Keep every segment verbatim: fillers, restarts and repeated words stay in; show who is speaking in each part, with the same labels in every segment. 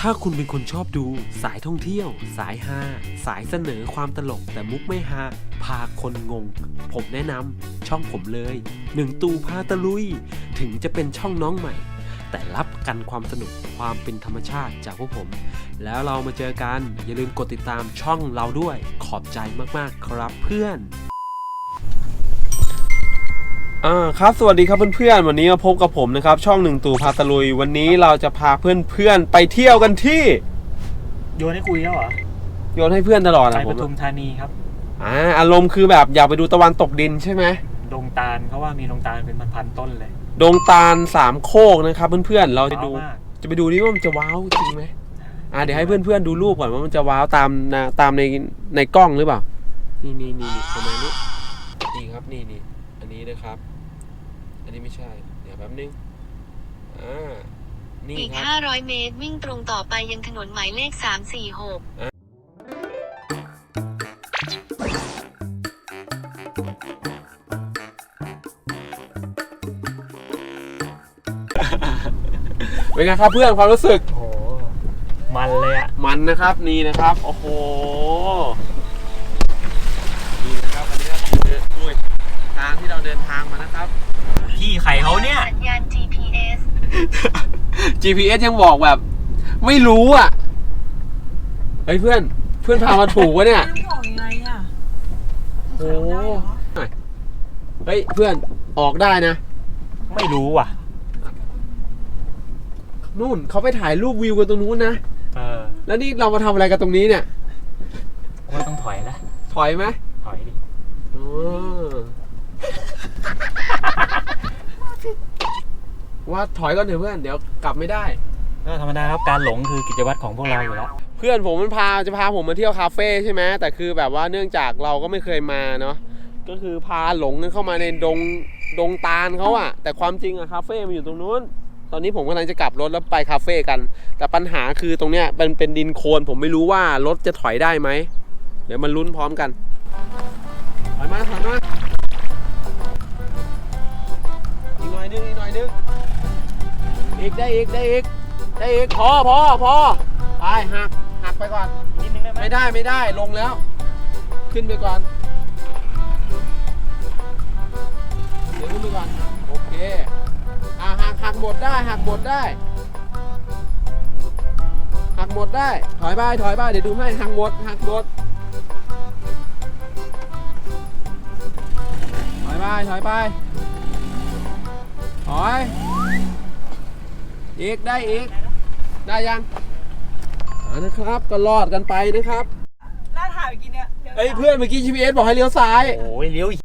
Speaker 1: ถ้าคุณเป็นคนชอบดูสายท่องเที่ยวสายฮาสายเสนอความตลกแต่มุกไม่ฮาพาคนงงผมแนะนำช่องผมเลยหนึ่งตูพาตะลุยถึงจะเป็นช่องน้องใหม่แต่รับกันความสนุกความเป็นธรรมชาติจากพวกผมแล้วเรามาเจอกันอย่าลืมกดติดตามช่องเราด้วยขอบใจมากๆครับเพื่อนอ่าครับสวัสดีครับเพื่อนๆวันนี้มาพบกับผมนะครับช่องหนึ่งตู่พาตะลุยวันนี้เราจะพาเพื่อนๆไปเที่ยวกันที่
Speaker 2: โยนให้คุยแล้วเหรอ
Speaker 1: โยนให้เพื่อนตลอดนะ
Speaker 2: ผมไปปทุมธานีครับ
Speaker 1: อ่าอารมณ์คือแบบอยากไปดูตะวันตกดินใช่ไหม
Speaker 2: ดงตาลเขาว่ามีดงตาลเป็นพันๆต้นเลย
Speaker 1: ดงตาลสามโคกนะครับเพื่อนๆเราจะดูจะไปดูนี่ว่ามันจะว้าวจริงไหมอ่าเดี๋ยวให้เพื่อนๆดูรูปก่อนว่ามันจะว้าวตามนะตามในในกล้องหรือเปล่านี่นี่นี่ประมาณนี้นี่ครับนี่นี่อันนี้นะครับอันนี้ไม่ใช่เดี๋ยวแป๊บนึงอ่านี่
Speaker 3: อีกห้าร้อยเมตรวิ่งตรงต่อไปยังถนนหมายเลขสาม สี่ หก
Speaker 1: เป็นไงครับเพื่อนความรู้สึก
Speaker 2: โอ้มันเลยอะ
Speaker 1: มันนะครับนี่นะครับโอ้โหนี่นะครับอันนี้ก็คืออุ้ยทางที่เราเดินทางมานะครับ
Speaker 2: พี่ไข่เขาเนี่ย
Speaker 3: สัญญาณ จี พี เอส
Speaker 1: จี พี เอส ยังบอกแบบไม่รู้อ่ะเฮ้ยเพื่อนเพื่อนพามาถูกวะเนี่ย
Speaker 4: บอกยังไงอ่ะ
Speaker 1: โอ้เฮ้ยเพื่อนออกได้นะ
Speaker 2: ไม่รู้ว่ะ
Speaker 1: นู่นเขาไปถ่ายรูปวิวกันตรงนู้นนะ
Speaker 2: เออ
Speaker 1: แล้วนี่เรามาทำอะไรกันตรงนี้เนี่ย
Speaker 2: ว่าต้องถอยแล้ว
Speaker 1: ถอยไหม
Speaker 2: ถอยดิ
Speaker 1: อ๋อว่าถอยก่อนเถอะเพื่อนเดี๋ยวกลับไม่ได้
Speaker 2: ก็ธรรมดาครับการหลงคือกิจวัตรของพวกเราอยู่แล้ว
Speaker 1: เพื่อนผมมันพาจะพาผมมาเที่ยวคาเฟ่ใช่ไหมแต่คือแบบว่าเนื่องจากเราก็ไม่เคยมาเนาะก็คือพาหลงกันเข้ามาในดงดงตาลเขาอะแต่ความจริงอะคาเฟ่มันอยู่ตรงนู้นตอนนี้ผมกำลังจะกลับรถแล้วไปคาเฟ่กันแต่ปัญหาคือตรงเนี้ยมันเป็นดินโคลนผมไม่รู้ว่ารถจะถอยได้ไหมเดี๋ยวมันลุ้นพร้อมกันถอยมาถอยมาอีกหน่อยนึงอีกหน่อยนึงอีกได้อีกได้อีกได้อีกพอพอพอไปหักหักไปก่อน
Speaker 2: นิดนึงได้ไหม
Speaker 1: ไม่ได้ไม่ได้ลงแล้วขึ้นไปก่อนเดี๋ยวขึ้นไปก่อนโอเคอ่ะหักหักหมดได้หักหมดได้หักหมดได้ถอยไปถอยไปเดี๋ยวดูให้หักหมดหักหมดถอยไปถอยไปถอยอีกได้อีกได้ยังนะครับก็รอดกันไปนะครับ
Speaker 4: น่าถ่ายเมื่อกี้เนี่ย
Speaker 1: ไอ้เพื่อนเมื่อกี้ จี พี เอส บอกให้เลี้ยวซ้าย
Speaker 2: โอ้ยเลี้ยว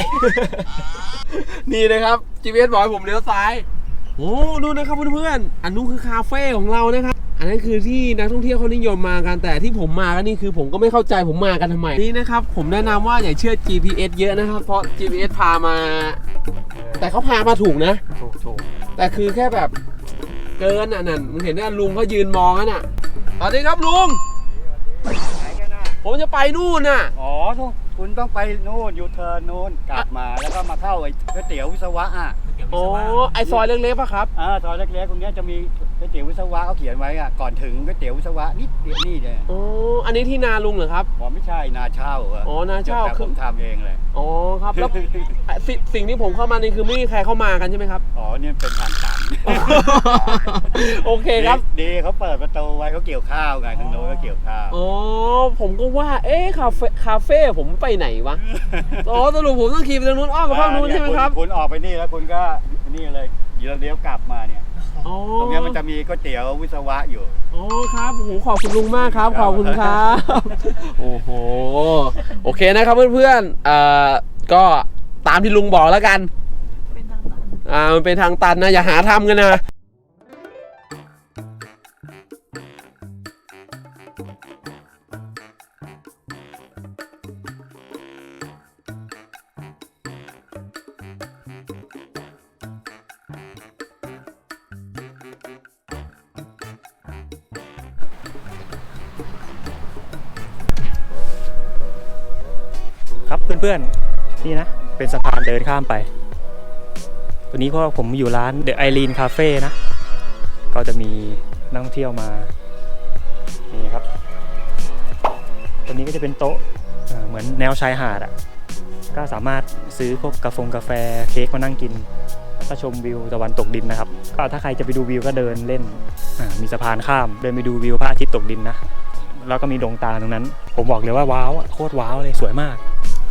Speaker 1: นี่นะครับ จี พี เอส บอกให้ผมเลี้ยวซ้ายโอ้ดูนะครับเพื่อนๆอันนู้นคือคาเฟ่ของเรานะครับอันนั้นคือที่นักท่องเที่ยวเขานิยมมากันแต่ที่ผมมาก็นี่คือผมก็ไม่เข้าใจผมมากันทำไมนี่นะครับผมแนะนำว่าอย่าเชื่อ จี พี เอส เยอะนะครับเพราะ จี พี เอส พามาแต่เขาพามาถูกนะ
Speaker 2: ถูกถูก
Speaker 1: แต่คือแค่แบบเกินอ่ะนั่นมึงเห็นว่าลุงเขายืนมองนั่นน่ะสวัสดีครับลุงผมจะไปนู่นน่ะ
Speaker 5: อ๋อทุกคุณต้องไปนู่นยูเทิร์นนู่นกลับมาแล้วก็มาเข้าไอ้ก๋วยเตี๋ยววิศวะอ่ะ
Speaker 1: โอ้ไอซอยเล็กๆป่ะครับ
Speaker 5: อ่าซอยเล็กๆตรงนี้จะมีก๋วยเตี๋ยววิศวะเขาเขียนไว้อ่ะก่อนถึงก๋วยเตี๋ยววิศวะนิดเดียวนี่เลย
Speaker 1: โอ้อันนี้ที่นาลุงเหรอครับ
Speaker 5: อ๋อไม่ใช่นาเช่า
Speaker 1: อ๋อนาเช่า
Speaker 5: คือผมทำเองเลย
Speaker 1: อ๋อครับแล้วสิ่งที่ผมเข้ามานี่คือไม่มีใครเข้ามากันใช่ไหมครับ
Speaker 5: อ๋อนี่เป็นทางตัน
Speaker 1: โอเคครับ
Speaker 5: ดีเขาเปิดประตูไว้เขาเกี่ยวข้าวไงทางโน้นก็เกี่ยวข้าว
Speaker 1: อ๋อผมก็ว่าเอ๊ะคาเฟ่คาเฟ่ผมไปไหนวะอ๋อสรุปผมต้องขี่ไปทางนู้นอ้อมไปข้างนู้นใช่ไหมครับ
Speaker 5: คุณออกไปนี่แล้วคุณก็นี่เลยเดี๋ยวเลี้ยวกลับมาเนี่ยตรงนี้มันจะมีก๋วยเตี๋ยววิศวะอยู่
Speaker 1: อ๋อครับโอ้โหขอบคุณลุงมากครับขอบคุณครับโอ้โหโอเคนะครับเพื่อนๆเอ่อก็ตามที่ลุงบอกแล้วกัน
Speaker 4: เป็นทางตัน
Speaker 1: อ่ามันเป็นทางตันนะอย่าหาทำกัน
Speaker 2: นะครับเพื่อนๆนี่นะเป็นสะพานเดินข้ามไปตัวนี้เพราะผมอยู่ร้าน The Irene Cafe นะก็จะมีนักท่องเที่ยวมาครับตัวนี้ก็จะเป็นโต๊ะเอ่อเหมือนแนวชายหาดอ่ะก็สามารถซื้อพวกกาแฟกาแฟเค้กมานั่งกินแล้วก็ชมวิวตะวันตกดินนะครับก็ถ้าใครจะไปดูวิวก็เดินเล่นอ่ามีสะพานข้ามเดินไปดูวิวพระอาทิตย์ตกดินนะแล้วก็มีดวงตาตรงนั้น ผมบอกเลยว่าว้าวอะโคตรว้าวเลยสวยมาก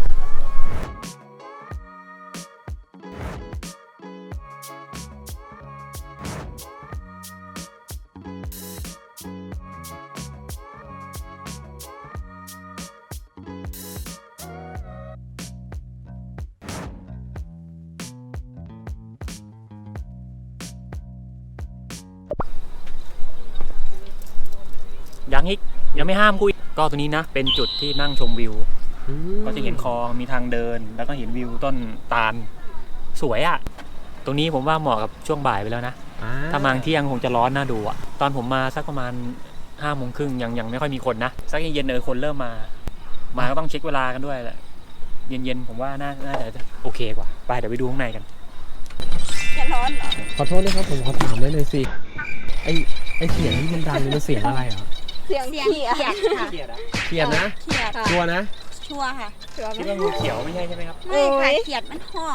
Speaker 2: ยังอีกยังไม่ห้ามกูอีกก็ตัวนี้นะเป็นจุดที่นั่งชมวิวก็จะเห็นคลองมีทางเดินแล้วก็เห็นวิวต้นตาลสวยอ่ะตรงนี้ผมว่าเหมาะกับช่วงบ่ายไปแล้วนะถ้ามาเที่ยงคงจะร้อนน่าดูอ่ะตอนผมมาสักประมาณห้าโมงครึ่งยังยังไม่ค่อยมีคนนะสักเย็นๆเออคนเริ่มมามาก็ต้องเช็คเวลากันด้วยแหละเย็นๆผมว่าน่าน่าจะโอเคกว่าไปเดี๋ยวไปดูข้างในกัน
Speaker 4: จะร้อนเหรอ
Speaker 1: ขอโทษนะครับผมขอถามได้เลยสิไอไอเสียงที่มันดังนี่มันเสียงอะไรเหรอ
Speaker 4: เสียง
Speaker 6: เสียง
Speaker 4: เขียด
Speaker 6: เขียดค่ะ
Speaker 2: เครียดอะ
Speaker 1: เขียนนะ
Speaker 6: เขียด
Speaker 1: ชัวร์นะ
Speaker 6: ชัวร์ค่ะ
Speaker 4: เสือ
Speaker 2: คิดว่างูเขียวไม่ใช่ใช่ไหมครับ
Speaker 6: ไม่ค่ะเขียดมันห้อง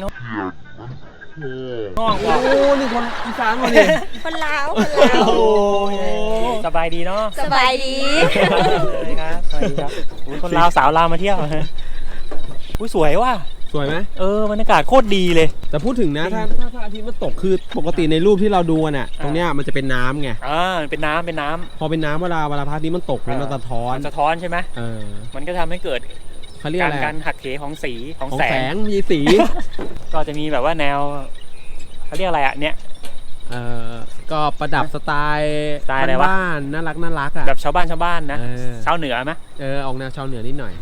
Speaker 2: ห้อง
Speaker 1: โอ้นี่คนอีสานมาเนี่ย
Speaker 6: คนลาวคนลาว
Speaker 2: โอ้สบายดีเนาะ
Speaker 6: สบายดี
Speaker 2: สวัสดีครับสวัสดีครับอุ๊ยคนลาวสาวลาวมาเที่ยวอุ้ยสวยว่ะ
Speaker 1: สวยไหม
Speaker 2: เออบรรยากาศโคตรดีเลย
Speaker 1: แต่พูดถึงนะถ้าถ้าพระอาทิตย์มันตกคือปกติในรูปที่เราดูน่ะตรงเนี้ยมันจะเป็นน้ำไง
Speaker 2: อ่าเป็นน้ำเป็นน้ำ
Speaker 1: พอเป็นน้ำเวลาเวลาพระอาทิตย์มันตกเนี่ยมันสะท้อน
Speaker 2: มันสะท้อนใช่ไหม
Speaker 1: เออ
Speaker 2: มันก็ทำให้เกิด
Speaker 1: เขาเรียก
Speaker 2: การ
Speaker 1: อะไร
Speaker 2: การหักเหของสีของ
Speaker 1: ของ
Speaker 2: แส
Speaker 1: แส
Speaker 2: ง
Speaker 1: งมีสี
Speaker 2: ก็จะมีแบบว่าแนวเขาเรียกอะไรอ่ะเนี่ย
Speaker 1: เออก็ประดับสไตล์
Speaker 2: สไตล์อะไรวะ
Speaker 1: บ้านๆน่ารักน่ารักอ่ะ
Speaker 2: แบบชาวบ้านชาวบ้านนะ
Speaker 1: เออ
Speaker 2: ชาวเหนือไหม
Speaker 1: เออออกแนวชาวเหนือนิดหน่อย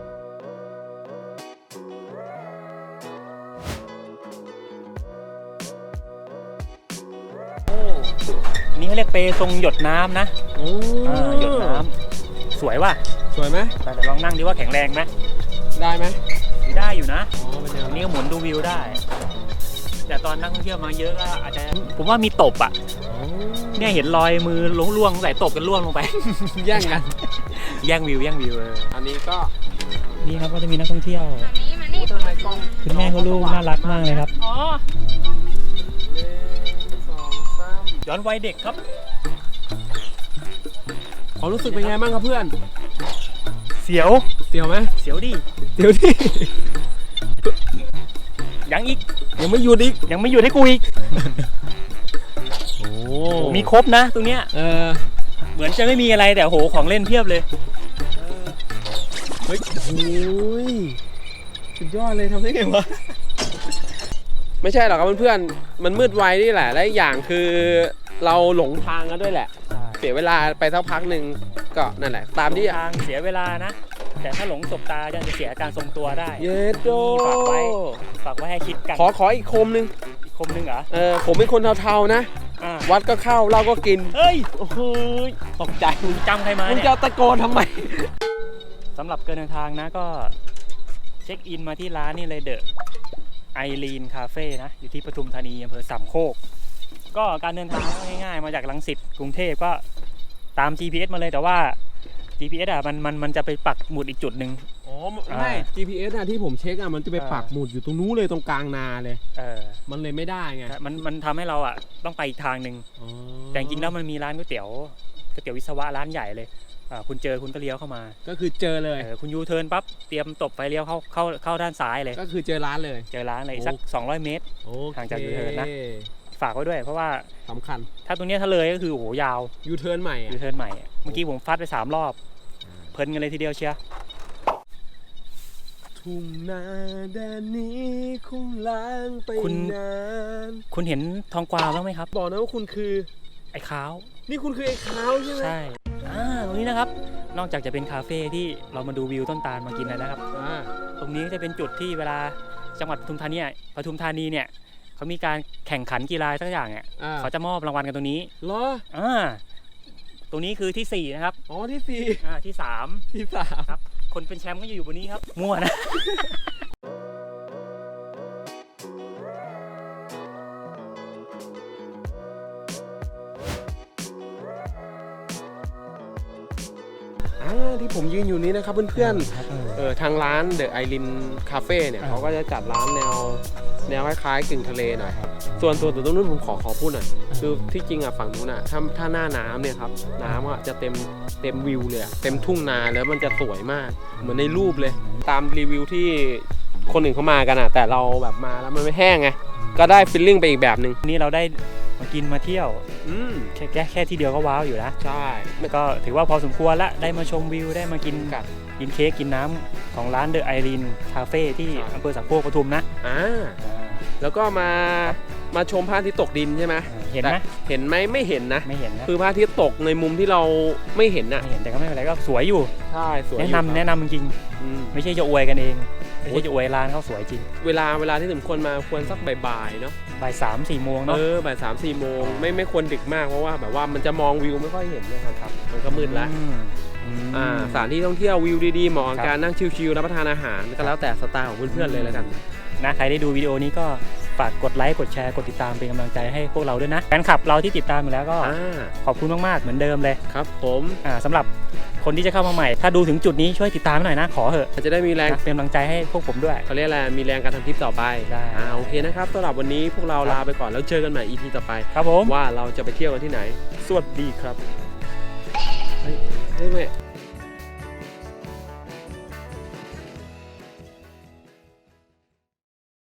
Speaker 2: นี่เขาเรียกเปทรงหยดน้ำนะ
Speaker 1: โอ้
Speaker 2: อ่าหยดน้ำสวยว่ะ
Speaker 1: สวยไหม
Speaker 2: แต่เดี๋ยวลองนั่งดิว่าแข็งแรงไหม
Speaker 1: ได้ไหม
Speaker 2: ได้อยู่นะ
Speaker 1: อ๋อเป็นแนว
Speaker 2: อันนี้ก็หมุนดูวิวได้ แต่ตอนนักท่องเที่ยวมาเยอะก็อาจจะผมว่ามีตบอ่ะ
Speaker 1: อ๋อ
Speaker 2: เนี่ยเห็นรอยมือล่วงๆใส่ตบกันล่วงลงไป
Speaker 1: แย่งกัน
Speaker 2: แย่งวิวแย่งวิวเออ
Speaker 1: อันนี้ก็
Speaker 2: นี่ครับก็จะมีนักท่องเที่ยว
Speaker 6: มานี่มานี่
Speaker 1: ทำไมกล้อง
Speaker 2: คุณแม่เขาลูกน่ารักมากเลยครับ
Speaker 4: อ๋อ
Speaker 1: หนึ่งสองสาม
Speaker 2: ย้อนวัยเด็กครับ
Speaker 1: ความรู้สึกเป็นไงบ้างครับเพื่อน
Speaker 2: เสียว
Speaker 1: เสียวไหม
Speaker 2: เสียวดิ
Speaker 1: เสียวดิ
Speaker 2: ยังอีก
Speaker 1: ยังไม่หยุดอีก
Speaker 2: ยังไม่หยุดให้กูอีก
Speaker 1: โอ้
Speaker 2: มีครบนะตรงเนี้ย
Speaker 1: เออ
Speaker 2: เหมือนจะไม่มีอะไรแต่โหของเล่นเพียบเลย
Speaker 1: เฮ้ยโอ้ยสุดยอดเลยทำได้ไงวะ ไม่ใช่หรอกครับเพื่อนๆมันมืดไวนี่แหละ และอีกอย่างคือเราหลงทางกันด้วยแหละ เสียเวลาไปสักพักหนึ่งก็นั่นแหละ ตามที่
Speaker 2: ทางเสียเวลานะ แต่ถ้าหลงสบตาจะเสียการทรงตัวได้
Speaker 1: เยสโด
Speaker 2: ฝากไว้ ฝากไว้ให้คิดกัน
Speaker 1: ขอขออีกคมหนึ่ง
Speaker 2: อีกคมหนึงเหรอ
Speaker 1: เออผมเป็นคนเทาๆนะ
Speaker 2: อ่า
Speaker 1: วัดก็เข้าเหล้าก็กิน
Speaker 2: เฮ้ย
Speaker 1: โอ้โหตกใจ
Speaker 2: มึงจำใครมา
Speaker 1: มึง
Speaker 2: เนี่ย
Speaker 1: จะตะโกนทำไม
Speaker 2: สำหรับการเดินทางนะก็เช็คอินมาที่ร้านนี่เลยเดอะไอรีนคาเฟ่นะ อยู่ที่ปทุมธานีอำเภอสามโคก ก็การเดินทางก็ง่ายๆ มาจากรังสิตกรุงเทพก็ตาม จี พี เอส มาเลยแต่ว่า จี พี เอส อ่ะมันมันมันจะไปปักหมุดอีกจุดหนึ่ง
Speaker 1: อ๋อไม่ จี พี เอส อะที่ผมเช็คอะมันจะไปปักหมุดอยู่ตรงนู้นเลยตรงกลางนาเลย
Speaker 2: เออ
Speaker 1: มันเลยไม่ได้ไง
Speaker 2: มันมันทำให้เราอ่ะต้องไปอีกทางหนึ่ง
Speaker 1: อ๋อ
Speaker 2: แต่จริงๆแล้วมันมีร้านก๋วยเตี๋ยวก๋วยเตี๋ยววิศวะร้านใหญ่เลยอ่าคุณเจอคุณก็เลี้ยวเข้ามา
Speaker 1: ก็คือเจอเลย
Speaker 2: เออคุณยูเทิร์นปั๊บเตรียมตบไฟเลี้ยวเข้าเข้าเข้าด้านซ้ายเลย
Speaker 1: ก็คือเจอร้านเลย
Speaker 2: เจอร้านเลยสักสองร้อยเมตร
Speaker 1: โอเค
Speaker 2: ห่างจากยูเทิร์นนะ ฝากไว้ด้วยเพราะว่า
Speaker 1: สำคัญ
Speaker 2: ถ้าตรงเนี้ยถ้าเลยก็คือโอ้โหยาว
Speaker 1: ยูเทิร์นใหม่อะ
Speaker 2: ยูเทิร์นใหม่เมื่อกี้ผมฟัดไปสามรอบเพลินกันเลยทีเดียวเชียร์
Speaker 1: ทุ่งนาแดนนี้คงล้างไปนาน
Speaker 2: คุณเห็นทองกวาวบ้างไหมครับ
Speaker 1: บอกนะว่าคุณคือ
Speaker 2: ไอ้ขาว
Speaker 1: นี่คุณคือไอ้ขาวใช่ไหม
Speaker 2: ใช่อ่าตรงนี้นะครับนอกจากจะเป็นคาเฟ่ที่เรามาดูวิวต้นตาลมากินแล้วนะครับ
Speaker 1: อ่า
Speaker 2: ตรงนี้ก็จะเป็นจุดที่เวลาจังหวัดปทุมธานีปทุมธานีเนี่ยเขามีการแข่งขันกีฬาสักอย่างเนี่ย
Speaker 1: อ่า
Speaker 2: เขาจะมอบรางวัลกันตรงนี้
Speaker 1: เหรอ
Speaker 2: อ่าตรงนี้คือที่สี่นะครับ
Speaker 1: อ๋อที่สี่
Speaker 2: อ่าที่สาม
Speaker 1: ที่สาม
Speaker 2: ครับคนเป็นแชมป์ก็อยู่บนนี้ครับมั่วนะ
Speaker 1: อ่าที่ผมยืนอยู่นี้นะครับเพื่อนๆเออทางร้านเดอะไอรินคาเฟ่เนี่ยเขาก็จะจัดร้านแนวแนวคล้ายๆกึ่งทะเลหน่อยครับส่วนตัวตรงนู้นผมขอขอพูดหน่อยคือที่จริงอ่ะฝั่งนู้นอ่ะถ้าถ้าหน้าน้ำเนี่ยครับน้ำอ่ะจะเต็มเต็มวิวเลยเต็มทุ่งนาแล้วมันจะสวยมากเหมือนในรูปเลยตามรีวิวที่คนอื่นเขามากันอ่ะแต่เราแบบมาแล้วมันไม่แห้งไงก็ได้ฟีลลิ่งไปอีกแบบหนึ่ง
Speaker 2: วันนี้เราได้มากินมาเที่ยว
Speaker 1: อืม
Speaker 2: แค่แค่แค่ที่เดียวก็ว้าวอยู่นะ
Speaker 1: ใช่
Speaker 2: ก็ถือว่าพอสมควรละได้มาชมวิวได้มากิน
Speaker 1: กัด
Speaker 2: กินเค้กกินน้ำของร้านเดอะไอรีนคาเฟ่ที่
Speaker 1: ครับ
Speaker 2: อำเภอสามโคกปทุมนะ
Speaker 1: อ่าแล้วก็มามาชมพระอาทิตย์ตกดินใช่ไหม
Speaker 2: เห็นไหม
Speaker 1: แต่เห็นไหมไม่เห็นนะ
Speaker 2: ไม่เห็นนะ
Speaker 1: คือพระอาทิตย์ตกในมุมที่เราไม่เห็นน่ะ
Speaker 2: ไม่เห็นแต่ก็ไม่เป็นไรก็สวยอยู่
Speaker 1: ใช่สวย
Speaker 2: แนะนำแนะนำจริง
Speaker 1: อืม
Speaker 2: ๆไม่ใช่จะอวยกันเองไม่ใช่จะอวยร้านเขาสวยจริง
Speaker 1: เวลาเวลาที่สมควรมาควรสักบ่ายๆเนาะ
Speaker 2: บ่ายสามสี่โมง
Speaker 1: เอ
Speaker 2: เนาะ
Speaker 1: อบ่ายสามสี่โมงไม่ไม่ควรดึกมากเพราะว่าแบบว่ามันจะมองวิวไม่ค่อยเห็นนะครับครับมันก็มืดแล้ว
Speaker 2: อืมอืม
Speaker 1: อ่าสถานที่ท่องเที่ยววิวดีๆเหมาะกับ
Speaker 2: ครับ
Speaker 1: การนั่งชิลๆรับประทานอาหารก็แล้วแต่สไตล์ของเพื่อนๆเลยแล้วกัน
Speaker 2: นะใครได้ดูวิดีโอนี้ก็ฝากกดไลค์กดแชร์กดติดตามเป็นกำลังใจให้พวกเราด้วยนะแฟนคลับเราที่ติดตามอยู่แล้วก็
Speaker 1: อ่า
Speaker 2: ขอบคุณมากๆเหมือนเดิมเลย
Speaker 1: ครับผม
Speaker 2: อ่าสำหรับคนที่จะเข้ามาใหม่ ถ้าดูถึงจุดนี้ช่วยติดตามหน่อยนะขอเถอะ
Speaker 1: จะได้มีแรง
Speaker 2: นะเป็นกำลังใจให้พวกผมด้วย
Speaker 1: เขาเรียกอะไรมีแรงการทำคลิปต่อไป
Speaker 2: ได้
Speaker 1: อ่าโอเคนะครับสำหรับวันนี้พวกเราลาไปก่อนแล้วเจอกันใหม่ อี พี ต่อไป
Speaker 2: ครับผม
Speaker 1: ว่าเราจะไปเที่ยวกันที่ไหน
Speaker 2: สวัสดีครับ
Speaker 1: เฮ้ยเฮ้ยแม่